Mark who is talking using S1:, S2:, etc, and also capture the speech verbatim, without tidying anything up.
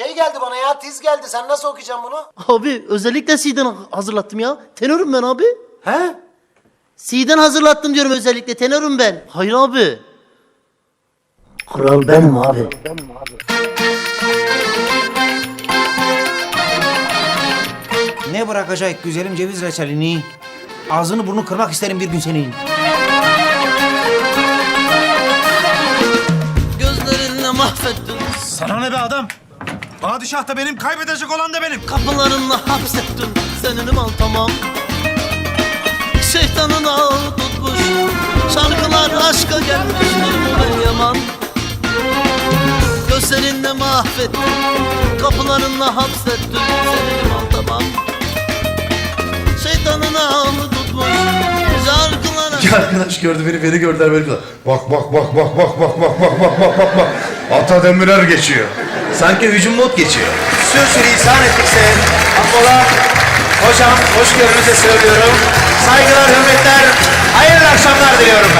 S1: Şey geldi bana ya, tiz geldi. Sen nasıl okuyacaksın bunu?
S2: Abi özellikle C'den hazırlattım ya. Tenörüm ben abi.
S1: He?
S2: C'den hazırlattım diyorum özellikle. Tenörüm ben. Hayır abi.
S1: Kral benim abi.
S3: Ne bırakacak güzelim ceviz reçelini? Ağzını burnunu kırmak isterim bir gün senin.
S2: Gözlerinle mahvettin.
S4: Sana ne be adam? Padişah da benim, kaybedecek olan da benim.
S2: Kapılarınla hapsettin. Seninim al tamam. Şeytanın ağı tutmuş. Şarkılar aşka gelmiş. Ben yaman. Gözlerinle mahvettin. Kapılarınla hapsettin. Seninim al tamam. Şeytanın ağı tutmuş. Şarkılar aşka...
S5: Arkadaş gördü beni, beni gördüler böyle. Bak bak bak bak bak bak bak bak bak bak bak bak. Ata Demirer geçiyor. Sanki hücum mod geçiyor.
S3: Sürçülü ihsan ettikse affola. Hocam hoşgörünüze söylüyorum. Saygılar, hürmetler, hayırlı akşamlar diliyorum.